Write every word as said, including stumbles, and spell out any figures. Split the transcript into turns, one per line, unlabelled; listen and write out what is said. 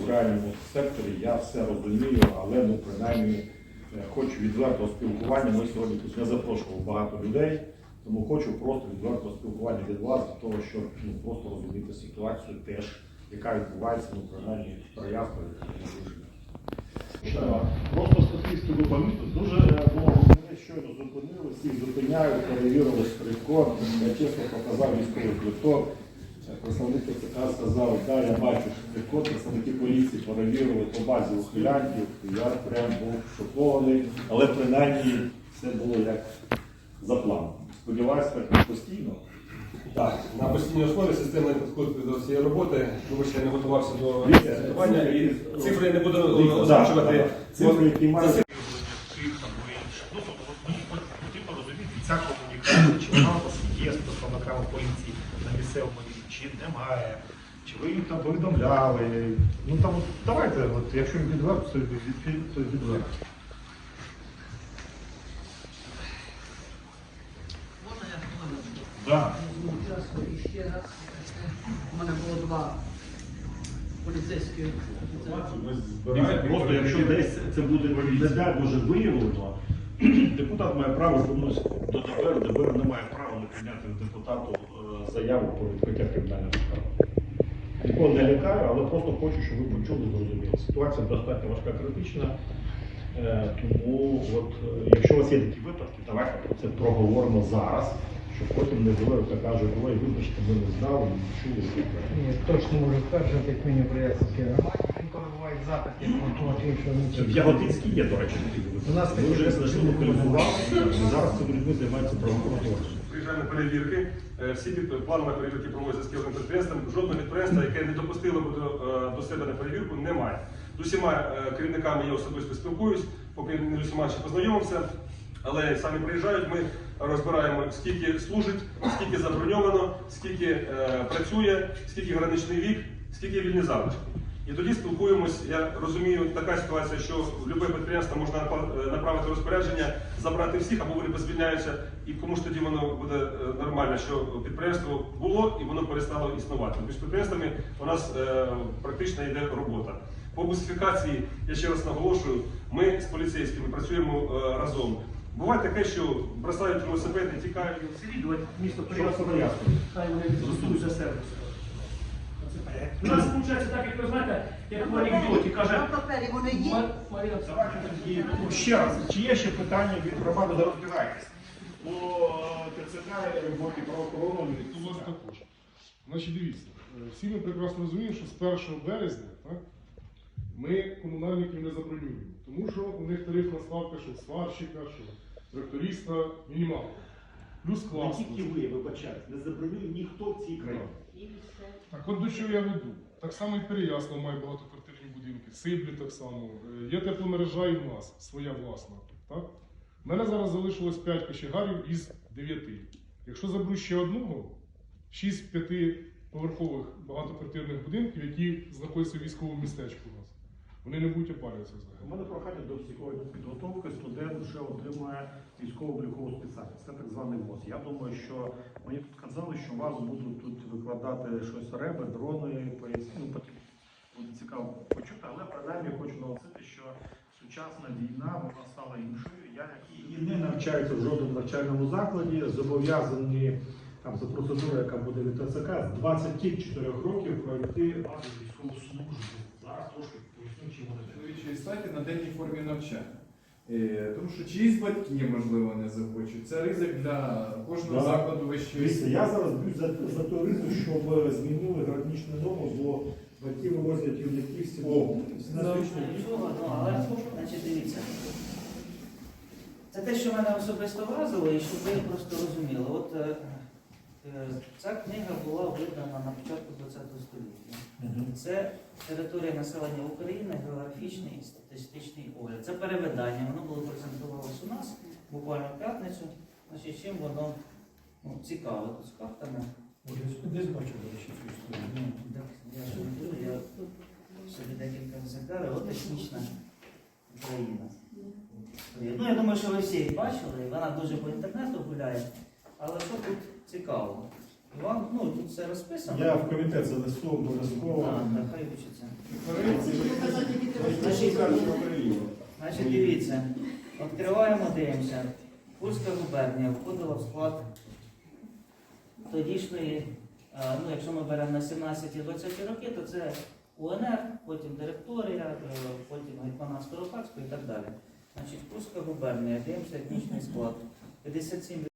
в реальному секторі, я все розумію, але ну, принаймні хочу відвертого спілкування. Ми сьогодні тут не запрошували багато людей, тому хочу просто відвертого спілкування від вас, для того, щоб ну, просто розуміти ситуацію теж, яка відбувається, ну, принаймні, в Троянському режимі. Просто статистику по місту дуже було, мене щойно зупинили, всіх зупиняють, перевірили штрих-код, я чесно показав військовий квиток. Представник ТЦК сказав, да, я бачу штрих-код, представники поліції перевірили по базі ухилянтів, я прям був шокований, але принаймні все було як за планом. Сподіваюся, так постійно.
Так, на постійній основі системний підход до цієї роботи, тому що я не готувався до звітування і цифри не буду озвучувати.
Цифри, які мають... Ну, потрібно розуміти, ця комунікація, чи вона у вас є з представниками поліції на місцевому рівні, чи немає, чи ви їм там повідомляли. Ну там, давайте, от, якщо відверто, то відверто. Да.
Ще раз. У мене було два поліцейські.
Просто якщо десь це буде, не дай Боже, виявлено, депутат має право звернутися до ДБР, ДБР не має права не прийняти депутату заяву про відкриття кримінального справи. Нікого не лякаю, але просто хочу, щоб ви почули, зрозуміли. Ситуація достатньо важка, критична. Тому, от, якщо у вас є такі випадки, давайте про це проговоримо зараз, щоб потім не було, як кажуть, ой, вибачте, ми не знали, не чули.
Ні, точно можу стверджувати, як мені в Брянській громаді. Інколи бувають запити, що не
В Яготинській є, до речі, такі випадки.
У нас
ми вже знайшли, локалізували, і зараз цими людьми займаються правоохоронні органи.
Приїжджаємо на перевірки, всі планові перевірки проводяться з кожним підприємством. Жодного підприємства, яке не допустило б до, до себе на перевірку, немає. З усіма керівниками я особисто спілкуюсь, поки не з усіма ще познайомився. Але самі приїжджають, ми розбираємо, скільки служить, скільки заброньовано, скільки е, працює, скільки граничний вік, скільки вільні залишки. І тоді спілкуємось, я розумію, така ситуація, що в будь-яке підприємство можна направити розпорядження, забрати всіх, або вони позвільняються, і кому ж тоді воно буде нормально, що підприємство було і воно перестало існувати. Між підприємствами у нас е, практично йде робота. По бусифікації, я ще раз наголошую, ми з поліцейськими працюємо е, разом. Буває таке, що бросають велосипед і тікають.
Слідувати місто
Що
порядку. Хай вони відсутують за сервіс. У нас виходить так, як ви знаєте, як в анекдоті каже.
Вони є.
Марина,
Ну, ще раз, чи є ще питання від громади, де розбирайтесь? По ТЦК і роботі правоохоронної.
У вас також. Значить, дивіться, всі ми прекрасно розуміємо, що з першого березня так, ми комунальників не забронюємо. Тому що у них тарифна ставка, що сварщика, що тракториста, мінімалка. Плюс
Не
клас.
тільки ви, вибачайте, не забронює ніхто в цій країні.
Так от до чого я веду. Так само і Переяслав має багатоквартирні будинки, Сиблі так само. Є тепломережа і в нас, своя власна. Так? У мене зараз залишилось п'ять кочегарів із дев'яти. Якщо заберу ще одного, шість п'ятиповерхових багатоквартирних будинків, які знаходяться в військовому містечку у нас, вони не будуть опалюватися взагалі.
У мене прохання до психологічної підготовки. Студент вже отримує військово-облікову спеціальність. Це так званий ВОЗ. Я думаю, що мені тут казали, що вас будуть тут викладати щось реби, дрони, поясні. Ну, буде цікаво почути, але принаймні хочу наголосити, що сучасна війна, вона стала іншою. Я, які не навчаються в жодному навчальному закладі, зобов'язані там за процедурою, яка буде від ТЦК, з двадцяти чотирьох років пройти базу військову службу. Зараз трошки поясню, чим вони.
Чоловічої статі на денній формі навчання. Е, тому що чиїсь батьки, можливо, не захочуть. Це ризик для кожного
Да.
закладу вищої
Дивіться,
освіти.
я зараз б'юсь за, за той ризик, щоб змінили граничну норму, бо батьки вивозять юнаків всі
Але значить, дивіться. Це те, що мене особисто вразило, і щоб ви просто розуміли. От е, е, ця книга була видана на початку ХХ століття. Це територія населення України, географічний і статистичний огляд. Це перевидання, воно було презентувалося у нас буквально в п'ятницю. Значить, чим воно ну, цікаве тут з картами.
Десь бачу, до речі, цю історію.
Ну, я ж не буду, я собі декілька екземплярів, от етнічна Україна. Ну, я думаю, що ви всі її бачили, вона дуже по інтернету гуляє, але що тут цікаво? Іван, ну, тут все розписано.
Я в комітет занесу обов'язково.
Так, так, хай вчиться.
Корейці
Значить, дивіться, відкриваємо, дивимося. Курська губернія входила в склад тодішньої, е, ну якщо ми беремо на сімнадцяті-двадцяті роки, то це УНР, потім директорія, е, потім Гетьманат Скоропадського і так далі. Значить, Курська губернія, дивимося етнічний склад. п'ятдесят сім